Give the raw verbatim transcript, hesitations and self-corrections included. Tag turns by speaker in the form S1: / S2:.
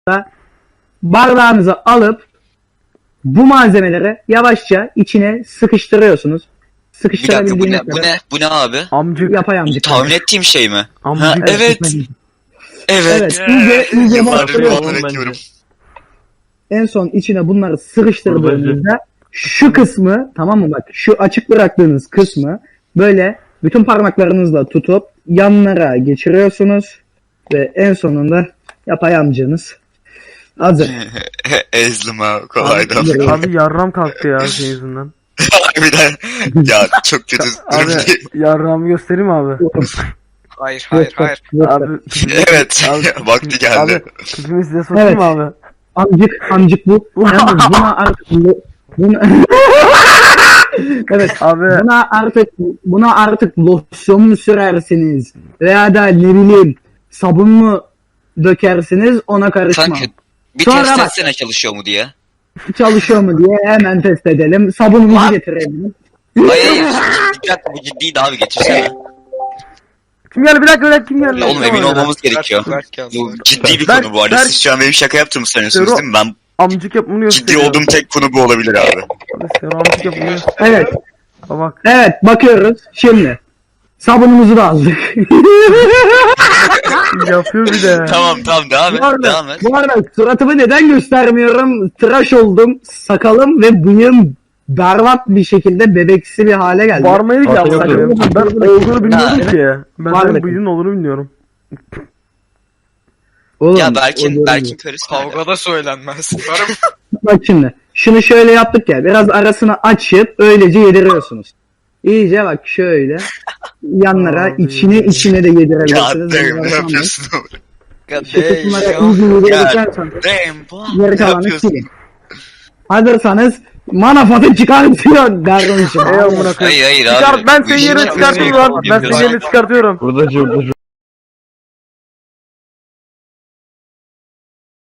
S1: bardağınızı alıp bu malzemeleri yavaşça içine sıkıştırıyorsunuz.
S2: Bir dakika bu
S1: Sıkıştırabildiğiniz
S2: ne? Bu ne? Bu ne abi?
S3: Amcık.
S1: Yapayamcık.
S2: Tahmin ettiğim şey mi?
S3: Amcık.
S2: Ha, evet. Evet.
S1: Evet. İyice, iyice
S2: Yıllardır
S1: bastırıyorsunuz.
S2: tahmin ediyorum.
S1: En son içine bunları sıkıştırdığınızda şu kısmı, tamam mı, bak şu açık bıraktığınız kısmı böyle bütün parmaklarınızla tutup yanlara geçiriyorsunuz ve en sonunda yapayamcığınız hazır.
S2: Ezdim ha kolaydı.
S1: Abi,
S3: Abi yarram kalktı ya şey yüzünden.
S2: Harbiden. Ya çok kötü
S3: Abi
S2: durumdayım.
S3: yarramı göstereyim mi abi?
S4: Hayır hayır hayır.
S3: Abi.
S2: Evet.
S3: Abi,
S2: Vakti geldi.
S3: Abi pipimi size sokayım
S1: Evet.
S3: mı abi?
S1: Amcık, amcık bu. Yalnız buna artık bu- buna... evet.
S3: Abi
S1: Buna artık buna artık losyon mu sürersiniz veya da ne bileyim sabun mu dökersiniz, ona karışmam.
S2: Sanki bir
S1: Sonra
S2: test
S1: bak.
S2: etsene çalışıyor mu diye.
S1: Çalışıyor mu diye hemen test edelim. Sabunumuzu
S2: Lan.
S1: getirelim.
S2: Hayır hayır. Bir dakika bu ciddiydi abi getirsene.
S3: kim geldi bir dakika bir dakika kim geldi?
S2: Ya oğlum emin olmamız gerekiyor.
S4: Berk geldi.
S2: Bu ciddi bir
S3: Berk-
S2: konu bu arada.
S3: Berk-
S2: Siz şu an benim şaka yaptığımı sanıyorsunuz değil mi? Ben
S3: Amcık yapımını
S2: ciddi
S3: gösteriyor.
S2: olduğum tek konu bu olabilir abi.
S3: Abi sen amcık yapımını
S1: Evet.
S3: bak.
S1: Evet, bakıyoruz. Şimdi sabunumuzu da aldık.
S3: Yapıyor bir de.
S2: Tamam tamam devam et.
S1: bu, arada,
S2: Devam et.
S1: bu arada suratımı neden göstermiyorum? Tıraş oldum. Sakalım ve bıyığım berbat bir şekilde bebeksi bir hale geldi.
S3: Varmayı ki
S1: Ortaya
S3: yapsak.
S1: yok.
S3: Ben olduğunu bilmiyordum
S1: Ha,
S3: ki. Ben
S1: Var
S3: senin
S1: mı?
S3: bıyığın olduğunu bilmiyorum.
S1: Oğlum,
S2: Ya
S1: o
S2: Berk'in
S1: görünüyor.
S2: Berk'in karısı nerede?
S4: Kavgada söylenmez. Varım.
S1: Bak şimdi. Şunu şöyle yaptık ya. Biraz arasını açıp öylece yediriyorsunuz. İyice bak şöyle. Yanlara
S3: Abi.
S1: içine içine de
S2: Ya
S1: yedirebilirsiniz.
S2: damn ne yapıyorsun oğlum?
S4: God
S1: Şu kısımlara
S4: damn.
S1: iyice
S2: Ya
S1: yedirdikten sonra
S2: damn bu.
S1: geri
S2: Ne
S1: kalanı
S2: yapıyorsun?
S1: silin. Hazırsanız manafatı çıkartıyor dermişim.
S3: Ey amına koyayım.
S2: Hayır hayır abi.
S3: Çıkart ben
S2: Bu
S3: senin
S2: işin
S3: yerine
S2: çok
S3: çıkartıyorum
S2: şey
S3: lan. Ben senin
S2: yapıyorsun.
S3: yerine çıkartıyorum.
S5: Burada